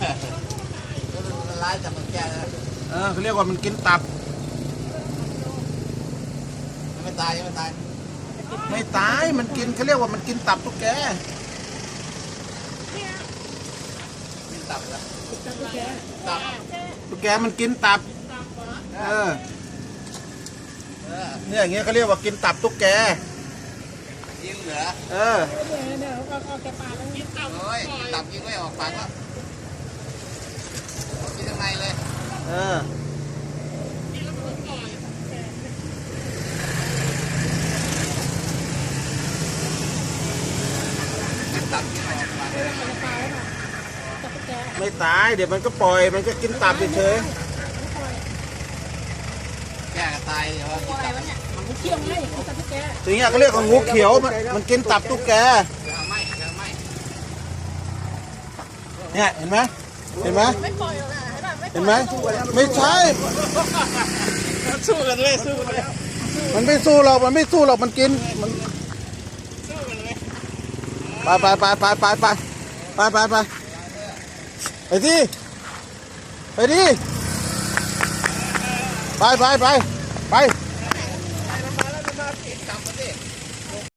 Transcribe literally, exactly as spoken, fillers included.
ละลายจากมันแก่แล้วเออเขาเรียกว่ามันกินตับไม่ตายไม่ตายไม่ตายมันกินเขาเรียกว่ามันกินตับตุ๊กแกกินตับแล้วตับตุ๊กแกมันกินตับเออเนี่ยอย่างเงี้ยเขาเรียกว่ากินตับตุ๊กแกยิงเหลือเออโอ้ยตับยิงไม่ออกปากแล้วกินข้างในเลยเออไม่ตายเดี๋ยวมันก็ปล่อยมันก็กินตับเฉยแก่ตายเดี๋ยวกินตับมันเที่ยวไงตับตุ๊กแกอย่างเงี้ยเขาเรียกว่างูเขียวมันมันกินตับตุ๊กแกเนี่ยเห็นไหมเห็นไหมเห็นไหมไม่ใช่สู้กันเลยสู้กันเลยมันไม่สู้หรอกมันไม่สู้หรอกมันกินมันไปไปไปไปไปไปไปไปไปไปที่ไปที่ไปไปไปไป